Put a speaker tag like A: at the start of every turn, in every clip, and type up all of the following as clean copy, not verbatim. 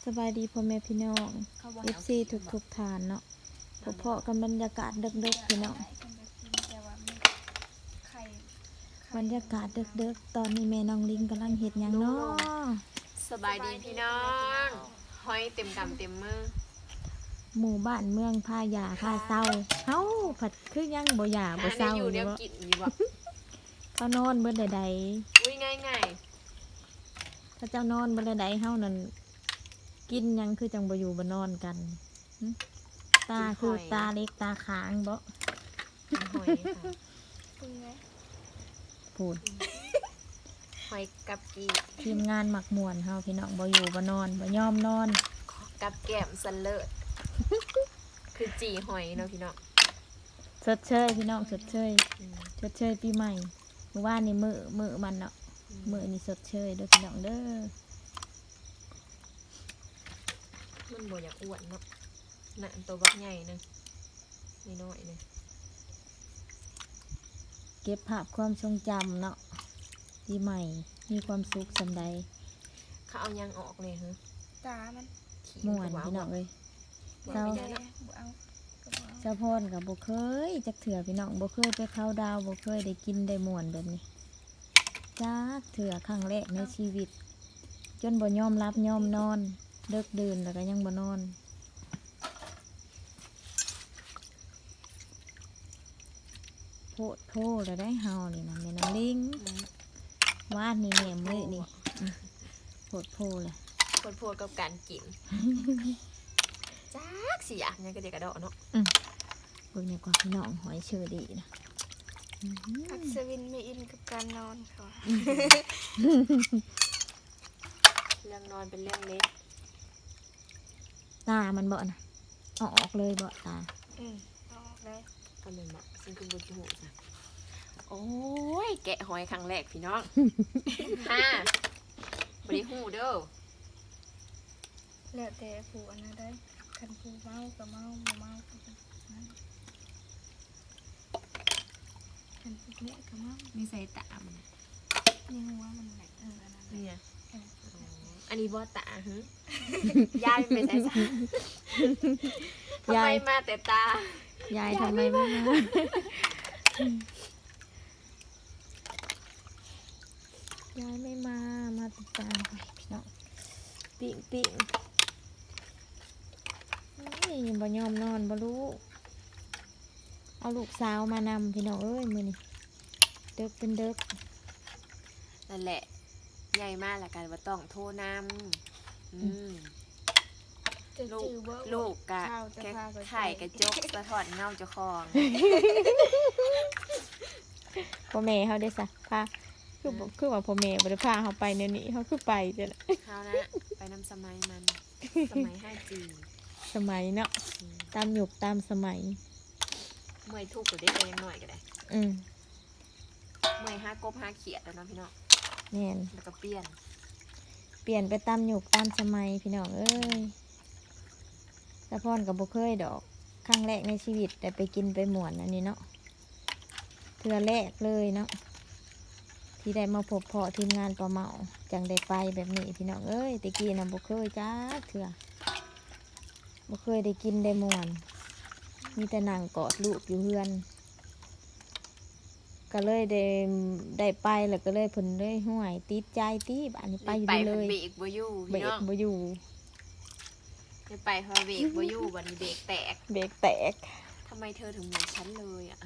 A: สบายดีพ่อแม่พี่น้อง FC ทุกฐานเนาะพอๆกันบรรยากาศดึกๆพี่น้องบรรยากาศดึกๆตอนนี้แม่น้องลิงกำลังเฮ็ดหยังเนาะ
B: สบายดีพี่น้องห้อยเต็มกำเต็มมือ
A: หมู่บ้านเมืองพายาพาเศร้าเฮาผัดคือยังบ่หยาบ่เศร้า
B: อยู่เดียวกินอยู่บ่
A: เขานอนเบิดใด
B: อุ้ยง่าย
A: ๆถ้าเจ้านอนเบิดใดๆเฮานั่นกินหยังคือจังบ่อยู่บ่นอนกันตาคือตาเล็กตาค้างบ่
B: ๆหอยค่ะ
A: พูด
B: หอยกับกี
A: ทีมงานหมักม่วนเฮาพี่น้องบ่อยู่บ่นอนบ่ยอมนอน
B: กับแก้มสันเลิศคือจีหอยเนาะพี่น้อง
A: สดเชยพี่น้องสดเชยสดเชยปีใหม่เมื่อวานนี่มื้อมันเนาะมื้อนี่สดเชยเด้อพี่น้องเด้อ
B: มันบ่อยากอ้วนเนาะน่ะตัวบักใหญ่นึงนี่น้อยนึง
A: เก็บภาพความทรงจำเนาะปีใหม่มีความสุขสำใด
B: เขาเอายังออกเลยฮะ
C: ตามัน
A: ม่วนพี่น้องเอ้ย
B: เศร้า
C: บ่เอาก็บ่เอา
A: เจ้าพรก็บ่เคยจักเถื่อพี่น้องบ่เคยไปเข้าดาวบ่เคยได้กินได้ม่วนแบบนี้จักเถื่อครั้งแรกในชีวิต จนบ่ยอมรับยอมนอนเลิกดื่นแล้วก็ยังบ่นอนโพดโพแล้วได้เฮานี่นะแม่น้องลิงวาดนี่แหนมเลยนี่โพดโพเลย
B: โพดกับการกินจักสิอยากยังกระเดกกระดอเนาะ
A: เบิ่งนี่กว่าพี่น้องหอยเชอรี่นะ
C: อัศวินไม่อินกับการนอนค่ะ
B: เรื่องนอนเป็นเรื่องเล็ก
A: ตามันบ่นะเอาออกเลยบ่ตา
C: เอาออกเลย
B: ก็เลยมาซึ่งคือบุญหูจ้ะโอ้ยแกะหอยครั้งแรกพี่น้อง บริหูเด้อ
C: แล้วแต่ผู้อันนั้นได้คันผู้เมาก็เมาบ่เมาก็บ่นั่นคันผู้แม่ก็เมา
B: มีใส่ตามัน
C: นี่หัวมันแหละอันนั้นแหละ
B: เนี่ย
C: เออ
B: อันนี้บอตาฮึ ยายเป็นไงจ๊ะทำไมมาแต่ตา
A: ยายทำไมไม่มายายไม่มาติดตามไปพี่น้องปิ่งนี่บ่ยอมนอนบ่รู้เอาลูกสาวมานำพี่น้องเอ้ยมื้อนี้เด็กเป็นเด็ก
B: นั่นแหละใหญ่มากละกันว่าต้องโทรนำ
C: จะจื้อบ่
B: ลูกกะ
C: ข้าวจะ
B: แค่
C: พาไป
B: ไข่กระจกสะท้อนเงาเจ้าของ
A: พ่อแม่เขาได้ซะพาคือว่าพ่อแม่บ่ได้พาเขาไปแนวนี้เขาคือไปจ้ะนะ
B: เขานะ ไปนำสมัยมัน สมัย 5G
A: สมัยเนาะตามยุคตามสมัย
B: เมื่อยทุกข์ก็ได้เองหน่อยก็ได้
A: อืม
B: เมื่อย5 กบ 5 เขียดแล้วเนาะพี่น้อง
A: แม่น
B: แล้วก็เปลี่ยน
A: เปลี่ยนไปตามยุคตามสมัยพี่น้องเอ้ยแต่พ่อนกับบ่เคยดอกครั้งแรกในชีวิตแต่ไปกินไปหมวนอันนี้เนาะเทือแรกเลยเนาะที่ได้มาพบพ่อทีมงานปลาเมาจังได้ไปแบบนี้พี่น้องเอ้ยตะกี้น่ะบ่เคยจ้าเถื่อบ่เคยได้กินได้หมวนมีแต่นั่งกอดลูกอยู่เฮือน ก็เลยได้ไปแล้วก็เลยเพิ่นเลยห่วยติดใจติบ้านนี้ไปอยู่เลย
B: เบรกบ่อยู่
A: เบร
B: พี่น้
A: ก
B: อง
A: บ่อยู่
B: ได้ไปเพราะเบรกบ่อยู่วันนี้เบรกแตก
A: เบรกแตก
B: ทำไมเธอถึงเหมือนฉันเลยอ่ะ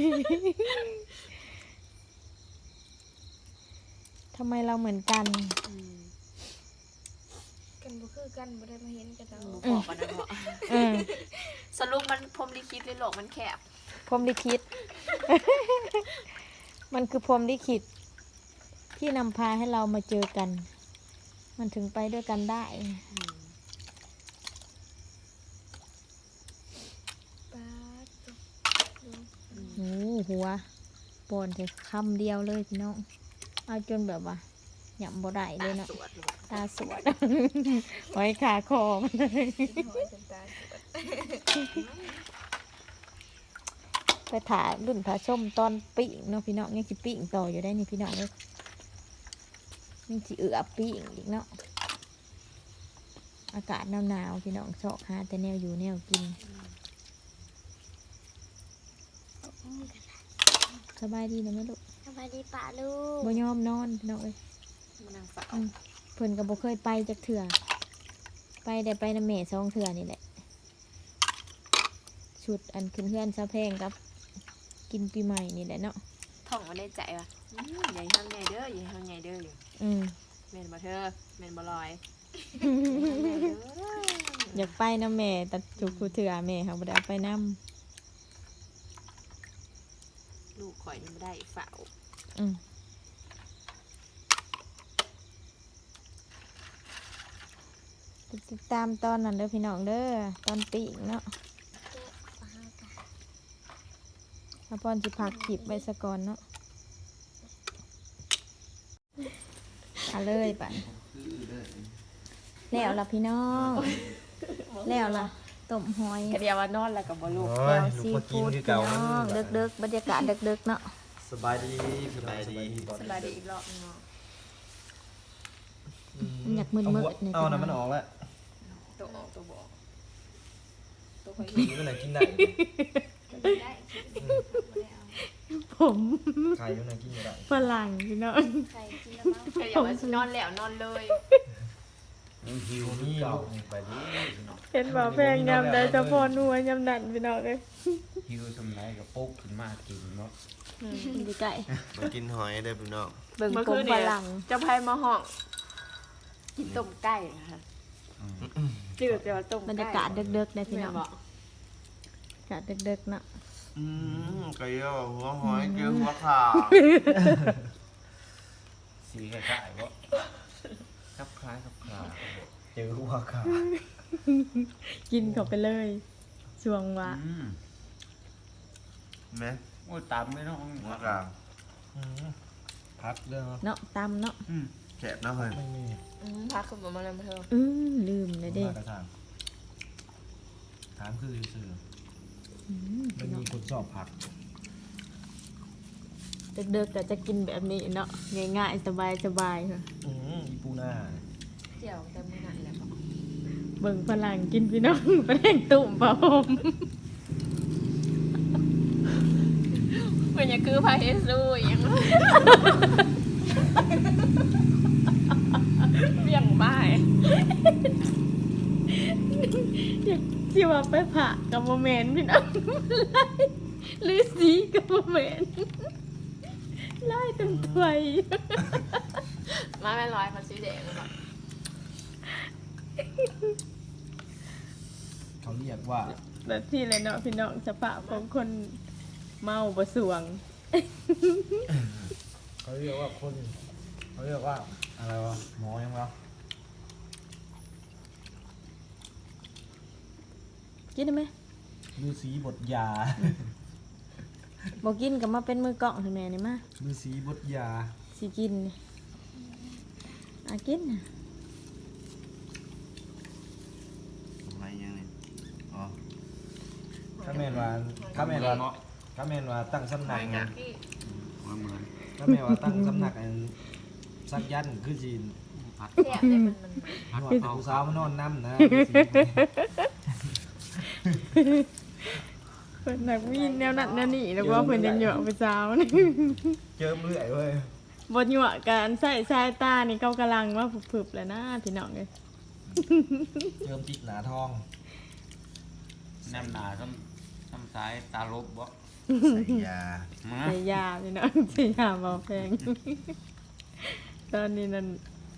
A: ทำไมเราเหมือนกัน
C: กันบ่คือกันบ่ได้มาเห็นกันแล้ว
B: หนูบอกกันนะเพาะ
A: เออ
B: สรุปมันพรหมลิขิตหรือโลกมันแคบ
A: พรหมลิขิต มันคือพรหมลิขิตที่นำพาให้เรามาเจอกัน มันถึงไปด้วยกันได้
C: ป๊าดตุ๊กดู
A: โอ้หัวปอนแต่คำเดียวเลยพี่น้อง เอาจนแบบว่าหยั่บ่ได้เลยเนาะ
B: ตาสวดเลย
A: ตาสวด ไว้ขาคอมันเลย
C: กินหอยจนตาสวด
A: ไปถ่ายรุ่นผาส้มตอนปิ้งเนาะพี่น้องยังสิปิ้งต่ออยู่ได้นี่พี่น้องเลยยังสิปิ้งอีกเนาะอากาศหนาวๆพี่น้องชอกหาแต่แนวอยู่แนวกินสบายดีนะแม่ลูก
C: สบายดีป่าลูก
A: บ่ยอมนอนพี่น้องเอ้ย
B: มานั่งฝัก
A: เพิ่นก็บ่เคยไปจักเทื่อไปได้ไปนำแม่2เทื่อนี่แหละชุดอันขึ้นเฮือนซะแพงกับกินปีใหม่นี่แหละเนาะ
B: ท่องมาได้ใจว่ะใหญ่ห้างใหญ่เด้อใหญ่ห้างใหญ่เด้ออยู่
A: อืม
B: แม่นบ่เธอแม่นบ่ลอย
A: อยากไปนำแม่แต่จุกกูเทื่อแม่เขาบ่ได้เอาไปนำ
B: ลูกข่อยนี่บ่ได้ฝ่าว
A: ติดตามตอนนั้นเด้อพี่น้องเด้อตอนปีกเนาะถ้าพอนสิพักคลิปไว้ซะก่อนเนาะเอาเลยป่ะแล้วล่ะพี่น้องแล้วล่ะต้มหอย
B: กะเดียวว่านอนแล้วก็บ่ลูก
A: แล้วซีฟู้ดพี่น้องเด็กๆบรรยากาศเด็กๆเนาะ
D: สบายดีสบายดี
B: สบายดีอีกรอบนึงเนาะ
A: มันอยากมึนๆเนี่ย
D: เอา
A: พี่
D: น้ำมัน
A: น้
D: อ
A: อง
D: อกแล้ว
B: ตัวออกตัวบ่ตัวข่อย
D: กินมันไหนกินได้
B: ได้
A: ผม
D: ไข่มันไหนกินไม่ได้
A: ฝรั่งพี่น้อง
C: ใครกินแล้วบ้าง
B: ใครอยากว่านอนแล้วนอนเลย
D: หิวนี่ลูกไปดิ
A: เห็นบ่แพงยำได้เฉพาะนัวยำนั่นพี่น้องเอ้ย
E: หิวสำไรกับปุ๊กขึ้นมากินเนาะ
A: ดีไก่
D: มากินหอยได้พี่น้อง
A: เบิ่ง
B: เมื่อ
A: ผ
B: คื
A: ม
B: น
A: ฝ
B: เนี่ย
A: รั่ง
B: เจ้าพายมาห้องกินต้มไก่นะคะจืดแต่ว่าต้มไก่
A: บรรยากาศเด็กๆนะพี่
B: แม่
A: น้อง
B: บอก
A: บรรยากาศเด็กๆเนาะ
D: ไก่ย่อหัวหอยเกลือหัวขา
E: สีคล้ายๆว่าครับคล้ายครับคลา
D: เจอหัวขา
A: กินเข้าไปเลยช่วงว่า
D: ไหม
E: โอ้ยตามไม่ต้อง
D: หัวขาพักเรื่อง
A: เนาะตำเนาะ
D: แฉบนะเฮ้ย
E: ไม่มี
B: พักขึ้นมาแล้วมาเถอะ
A: ลืมเลยเด้
D: มากระทางถามคือสื่อมันมีคนสอบผัก
A: เด็กๆก็จะกินแบบนี้เนาะง่ายๆสบายๆค่ะ
D: อีปูนา
B: เจียวแต่มื้อนั้นแหละบอก
A: เบิ่งฝรั่งกินพี่น้องฝรั่งตุ่มเปล่าผม
B: เพิ่นอย่าคือพาเฮซูอหยังเบี่ยงบ้าย
A: ที่ว่าไปผ่ากับโมเมนต์พี่น้องหรือสีกับโมเมนต์ไล่เต็มถ้วย
B: มาแม่ร้อยเขาสีแดงบอก
D: เขาเรียกว่า
A: แบบที่เลยเนาะพี่น้องสภาพของคนเมาบ่สวง
D: เขาเรียกว่าคนเขาเรียกว่าอะไรวะหมอยังวะ
A: กินได้ไหม
D: ฤาษีบทยา
A: บอกกินกับมาเป็นมือกล่องถึงแม่นี่มา
D: ฤาษีบทยา
A: สิกินนี่กินน่ะ
D: อะไรยังไงอ๋อถ้าแม่นว่าถ้าแม่นว่าถ้าแม่นว่าตั้งสำนักไง
B: พี่
E: เหมือน
D: ถ้าแม่นว่าตั้งสำนักอันสักยันต์คือจีน
E: พัด
B: แซ่บเลยมัน
D: หนวดผู้สาวมานอนน้ำนะ
A: เพิ่นนักมีแนวนั้นแนวนี้แล้วว่าเพิ่นยังเหยาะไปสาวนี่
D: เจอเมื่อยเว้ย
A: บ่เหยาะกันใส่สายตานี่เขากำลังว่าผึบๆแล้วนะพี่น้องเอ้ย
D: เจิมจิกหนาทอง
E: แนมหนาซ้ำซ้ายตาลบบ่
D: ใส่ยา
E: มา
A: ใส่ยาพี่น้องใส่ยาบ่แพง ตอนนี้นั่น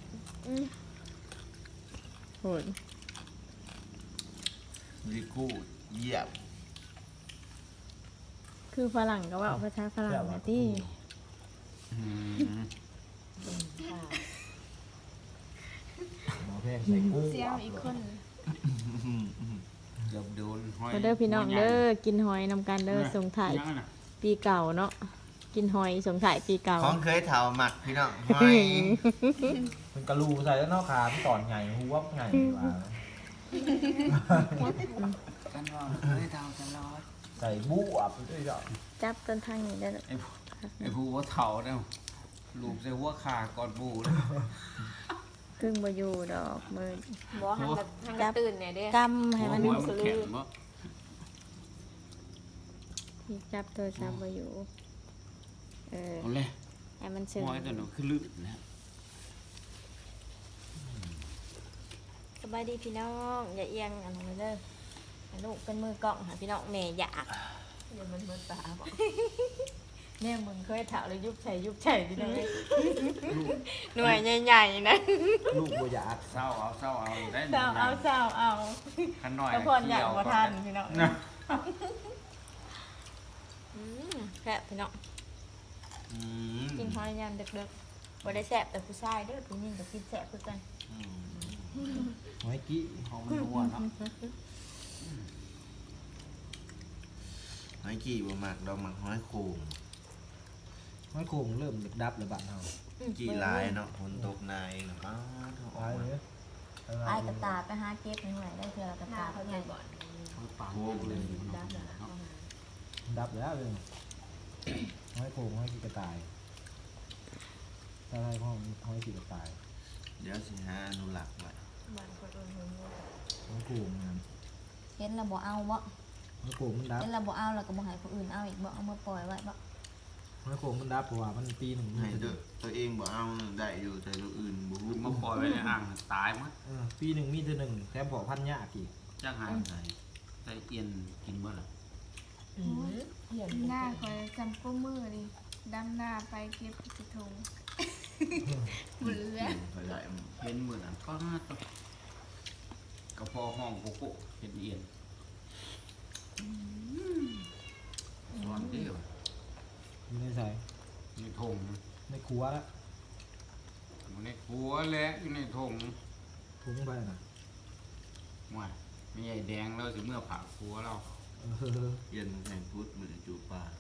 A: โหด
D: ลิกูเยี่ยม
A: คือฝรั่งก็ว่าภาษาฝรั่งนะที่
D: หมอแพงใส่กู้
B: เสียวอีกคน
E: เกือบโดนห้อย
A: มาเด้อพี่น้องเด้อกินหอยนำกันเด้อส่งถ่าย
E: ยังน่ะ
A: ปีเก่าเนาะกินหอยส่งถ่ายปีเก่า
D: ของเคยเถาหมักพี่น้องหอยมันกระลูใส่แล้วเนอกขาพี่ตอนไงหัวไงวะ
E: กันว่าเฮ้ยเท่าตลอด
D: ใส่บุ้บด้วยจ้ะ
A: จับต้นทางนี้ได้อ
E: ไอ้ผู้ว่าเท่าเนี่ยลูกใส่หัวขาก่อนบูเลย
A: ครึ่งบ่อยู่ดอกมือ
B: บ่หันกระตื่นเนี่ยเด้
A: กำให้มัน
E: หัวมันแข็งบ่
A: ที่จับโทรศัพท์บ่อยู่
E: เอาเลย
A: ให้มันซึ้ง
E: หัวตัวนั้นคือลื่นนะ
A: สบายดีพี่น้องอย่าเอียงอันนั้นเด้อให้ลูกเป็นมือกล้องหาพี่น้องแม่อยาก
B: เดี๋ยวมันมืดตาบ่
A: แม่มึงเคยถามเลยยุบใส่พี่น้องหน่วยใหญ่ๆนะ
D: ลูกบ่อยาก
E: เศร้าเอาได้
A: เศร้าเอา
E: ขันหน่อย
A: แต่พอนอยากบ่ทันพี่น้อง
E: นะ
A: แซ่บพี่น้องกินหอยยามดึกๆบ่ได้แซ่บแต่ผู้ชายเด้อผู้หญิงก็กินแซ่บคือกัน
D: หอยกี้
E: ของมันนัวเนาะ
F: หอยกี่บ่มักดอกมักหอยโข่ง
D: หอยโขงเริ่มดับแล้วบ้านเฮา
F: กี่ลายเนาะฝนตกนายเนาะอ้าวเท่าอ
D: ตา
F: อย ก
D: เลย
A: อายกระตาไปหาเก็บหน่อยได้เทื่อกระ
B: หน้า
A: ตา
B: เขา
A: เขา
B: ให
A: ให
B: ญ่
A: ญ่
B: บ่อน
E: ปากเลย
B: ดับแล้ว
D: ดับแล้วเลยหอยโขงหอยกี่กระต่ายถ้าได้ห้องหอยกี่กระต่าย
F: เดี๋ยวสิหาอนุรักษ์ไว้
B: บ้านคนอื่นเพิ่นบ่
D: หอยโขงนั่น
A: เห็นแล้วบ่เอาบ่
D: หอยโขงมันดับ
A: เห็นแล้วบ่เอาแล้วก็บ่ให้ผู้อื่นเอาอีกบ่เอามาปล่อยไว้บ่
D: หอยโขงมันดับเพราะว่ามันปีหนึ่งมี
F: ให้
D: แต่
F: เด้อตัวเองบ่เอาได้อยู่แต่ตัวอื่นบ่ฮู้
E: มาปล่อยไว้ในอ่างตายมั้ง
D: ปีหนึ่งมีแต่หนึ่งแถมพอพันยากอีก
E: จ้างหายใส่ใส่เอียนกินเมื่อไหร่
B: เห็น
C: หน้าคอยจำก้มือดิดำหน้าไปเก็บกระทงบุเรือ
F: เขาได้
E: เห็นเหมือนอันก็น่าตัวกระเพาะห้องโกโก้เห็นเอียนร้อนเดียว
D: อยู่ในใส่
E: ในธง
D: ในครัวแล้ว
E: อยู่ในครัวและอยู่ในธง
D: ทุ่งไปน่ะ
E: ว่าไม่ใหญ่แดงแล้วสิเมื่อผ่าครัวเรา
F: เย็นแห่งพุทธมือจูปลา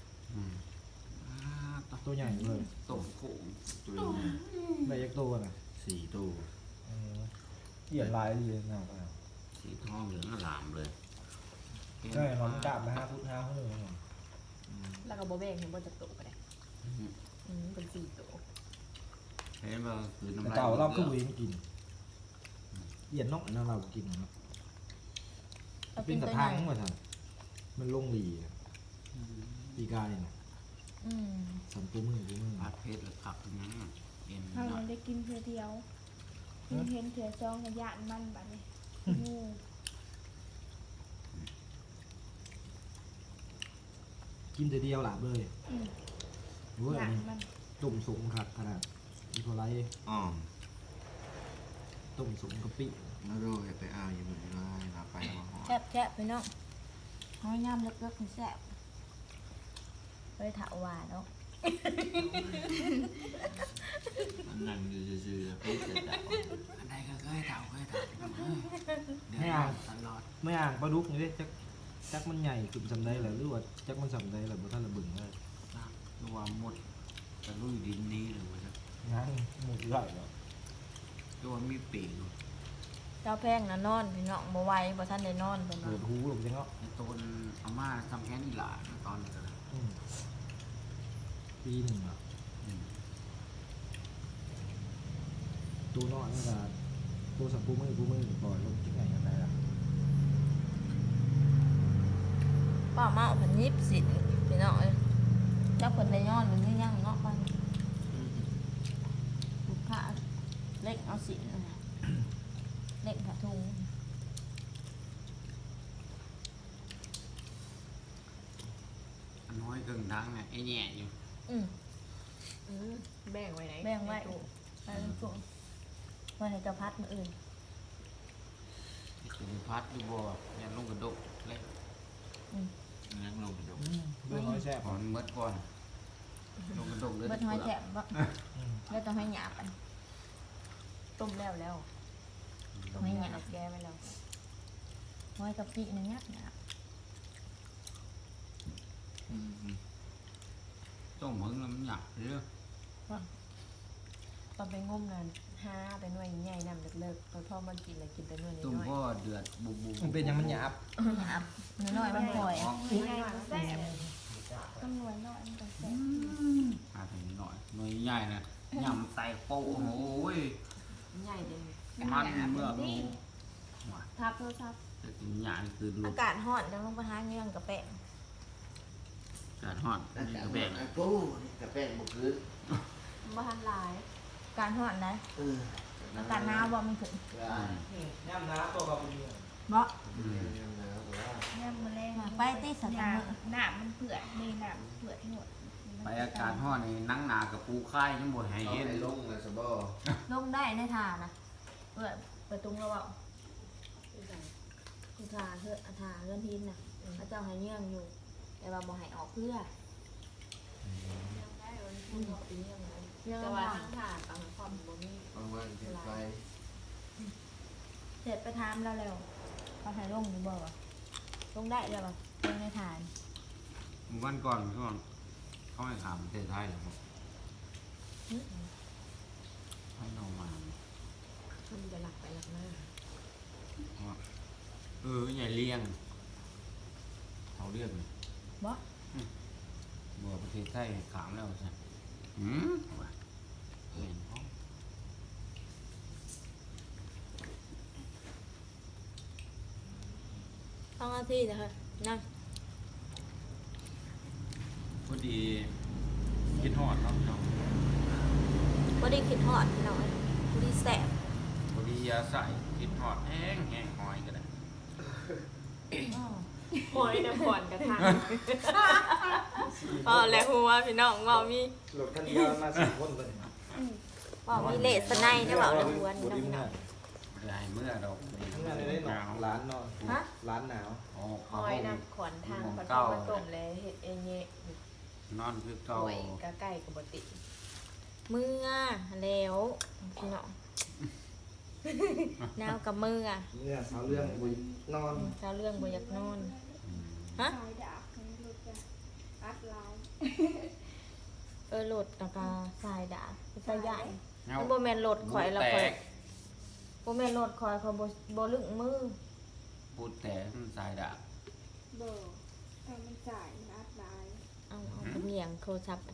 D: ตัวใหญ่เลย
E: ต้มโขง
F: ตัวนี้
D: ใบยักษ์ตัวน่ะ
F: 4ตัว
D: เหยียดลายดีเลยนะ
E: สีทองเหลืองอลามเลย
D: ใช่มันกลับมา5 ฟุต5 หู
B: แล้วก็บ่แบ่งให้บ่จักโตก็ได้เป็น4โต
E: เห็นว่าคือน้ำ
D: แต่
E: ลาย
D: เก่าเราก็วิ่งกินเหยียดนกนั่นเรากินเนาะ
A: เอา
D: เป็
A: กิ
D: น
A: น
D: ก
A: ตั
D: ระ
A: วให
D: ทั
A: ญ่
D: งมาทันมันลงหลีปีกายน่ะ
A: อืม
D: สัมปูมือ
E: ผัดเพชรหรือขับตรงนั้นเอ็น
C: เขา
E: หน่อ
C: ยั
E: ย
C: งได้กินเพื่อเดียวเห็นเถื่อจองกระยานมันบัดนี้งู
D: กินแต่เดียวหลับเลยรู้
C: ยา
D: อัน
C: น
D: นี้
C: มัน
D: ต้มสุกครับขนาดอีโคไล
F: อ้อม
D: ต้มสุกกะปิ
F: มาดูให้ไปเอาอยู่มื้อนี้ลาไปมาหอ
A: แซ่บๆพี่น้องหอยยามลึกๆนี่แซ่บบ่ได้ถาหวานเนาะ
F: มันนั่งอยู่ซื่อๆแล้วไปเสร็จแล้ว
E: อันใดก็เคยเต่าเดี๋ยวตลอด
D: ไม่อ่างปลาดุกนี่เด้จักมันใหญ่ขึ้นสำได้แล้วหรือว่าจักมันสำได้แล้วบ่ทันระเบึงเลย
E: นะระว่าหมดจะลุยดินนี้หรือว่าจะ
D: งั้นหมูไหลแล้ว
E: ตัวมีปีก
A: เจ้าแพงน่ะนอนพี่น้องบ่ไหวบ่ทันได้นอนเพิ่น
D: เปิ
A: ว่า
D: ดหูลงจังเนาะ
E: ในต้นอาม่าทำแค่นี้หลาตอนนี้ก็
D: ปีหนึ่งอ่ะตัวน้อยนี่ก็ตัวสัมปูมือปล่อยลงจังไงกันได้ล่ะ
A: ป้าเมาเพิ่นยิบสินพี่น้องเอ้ยเจ้าเพิ่นได้นอนหรือยังเนาะปันลูกค้าเล็กเอาสินเล็กผ้าถุง
E: น้อยกึ่งทางเนี่ยไอ้แง่อยู่
B: แบ่งไว้ไหน
A: แบ่งไว้ไปเป็นถุงไว้ให้เจ้าพัดมื้ออื่น
E: ถึงพัดอยู่บ่ยันลงกระดกเล็ก
F: นั่งลงไปดู
D: เรื่องน้อยแซ่บ
E: ก่อนเมื่อก่อนลงกระดกเลย
A: เบิดหอยแฉะบ่แล้วต้องให้หยาบอัน
B: ต้มแล้วต้มให้หยาบแก้ไว้แล้ว
A: หอยกะปินี่ยักหยาบ
E: ต้มมึงแล้วมันหยักเรื่อง
B: ตอนไปงมนั่นหาแต่หน่วยใหญ่นำเลิกๆพอมันกินแล้วกินแต่หน่วย
E: ต้ม
B: น้อย
E: ก็เดือดบุบ
D: มันเป็นยังมันหยาบ
A: หยาบน้อยๆมันปล่อย
C: ง่ายๆแซ่บตำรวจน้อยมันก็แซ่บ
E: หาถึงหน่อยหน่อยใหญ่นะยำใส่โป๊ะโอ้ย
B: ใหญ่เลย
E: มันเมื่อรู้
B: ทับโทรศัพท์
E: แต่กินหยานี่คือลู
A: อาก กาศร้อนจังลงไปหาเงื่อนกับแป้ง
E: การฮอด
F: แต่
E: นี่ก็แบ่ง
F: ปูนี่กระแป้งบุคือ
B: บ้านหลาย
A: อากาศร้อนนะ
F: เออ
A: อากาศหนาวบ่มันถึง
D: ย่ำน้ำตัวกับเป็น
A: บ่
F: หนาวแต่ว่า
C: เนี่ยมันแรง
A: ไปติสัตว์
C: หนา
A: มือ
C: หนามันเปื่อยนี่หนาเปื่อยหมด
E: ไปอากาศฮอดนี่นั่งหนากับปูค่ายยังบ่ให้
F: เอา
E: เห็น
F: ไปลงเลยสบอ
A: ลงได้ในทานะเปิดประตูเราเอาคือทาเฮือทาเฮือนพินน่ะพระเจ้าให้เงื่อนอยู่ แต่ว่าบ่ให้ออกเพื่อ
B: แต่ว่าทั้งถาดบางความบ่มี
F: ว่างๆเก็บไป
A: เสร็จไปทามแล้วแล้วเขาให้ลงอยู่บ่วะลงได้แล้วบ่ลงในฐาน
E: วันก่อนช่วงเขาให้ถามประเทศไทยเหรอครับให้น้องมา
B: มันจะหลักไปหลักมา
E: ว่าใหญ่เลี้ยงเขาเรียกเลย
A: บ่
E: เมื่อประเทศไทยขามแล้วใช่ว่าเห็นเขา
A: ต้องเอาที่นะคะนั่ง
E: พอดีคิดฮอดเนาะพี่น้อง
A: บ่ได้คิดฮอดพี่น้องบ่ได้แสบ
E: พอดียาใส่คิดฮอดแห้งหอยก็ได้
A: อ้อ
B: โอยน้ำก่อนกระทะ
A: อ๋อแล้วหัวพี่น้องว่ามี
D: หลบท่านเดียวมา4คนเลย
A: ว่ามีเลสไนได้เว้าแล้วหัวนี่เนาะพี่น้อง
E: ไม่ได้เมื่อดอก
D: ทั้งนั้นได้หนาวร้านนอน
A: ฮะ
D: ร้านหนาว
E: อ๋อ
B: ห
E: เขา
B: อยน้ำขอนทางขอนทางมาต้มเลยเห็ดเองเนี่ย
E: นอนคือ
B: ห
E: เก่า
B: อยกะไก่กับบติ
A: มือแล้วพี่น้องแนวกับมือ
D: เมื่อเช้าเรื่องบุยนอน
A: เจ้าเรื่องบ่อยากนอน ฮะ
C: สายดาบนี่รถจะอัดลาย
A: โหลดแล้วก็สายดาบสายใหญ่
E: เงา
A: มันบ่แม่นโหลดข่อยแล้ว
E: แต
A: ข่อย
E: ก
A: บ่แม่นโหลดข่อยเขาบ่ลึงมือ
E: พูดแตกมันสายดาบ
C: เบอร์แต่มันจ่ายมันอัดลาย
A: เอากระเมียงโทรศัพท์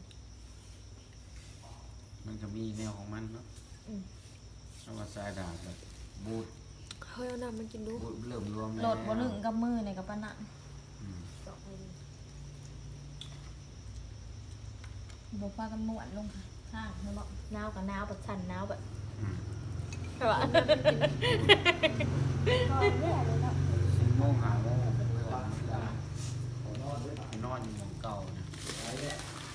E: มันก็มีแนวของมันเนาะ
A: อืม
E: เอาว่าสายดาบแบบบูด
A: เฮ้ยเอาน้ำมันกินดู
E: บูดเริ่มรวม
A: โหลดบ่ลึงกับมือในกับปานนั้น
E: อืม
A: บ่พากันม่วนลงค่ะข้างแม่นบ่หนาวกับหนาวแบบสั่นหนาวแบบ
E: อืม
A: ใช่ป่ะ
C: ก็เนี่ยเลยเนาะ
E: 4 โมง 5 โมงเพื่อน
D: ขอนอนด้วย
E: ไปนอนอยู่หมู่เก่าเนี่ย
D: ไปเนี่ย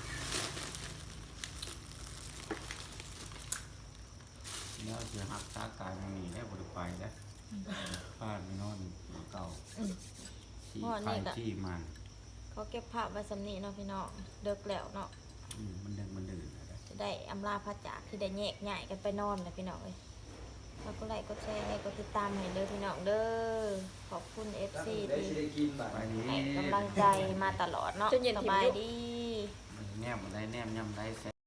E: แล้วจะหักตากายมันหนีได้บ่ได้ไปแล้วพาดไปนอนอยู่หมู่เก่า
A: อืม
E: ที่
A: พ่อนี่
E: ไข่
A: ก็
E: ที่มัน
A: เขาเก็บภาพไว้สำนี้เนาะพี่น้องเดึกแล้วเนาะ
E: มันดึงมันดื่นอะไร
A: จะได้อำลาพระจากที่ได้แยกย้ายกันไปนอนเลยพี่น้องเอ้ยแล้วก็ไลค์ก็แชร์ก็ติดตามให้เด้อพี่น้องเด้อขอบคุณ FC
D: ได้
A: ที่
D: สิได้กินแบบ
E: ไปนี้
A: ให้กำลังใจมาตลอดเนาะสบายดี
E: มันแนมอะไรแนมย่ำได้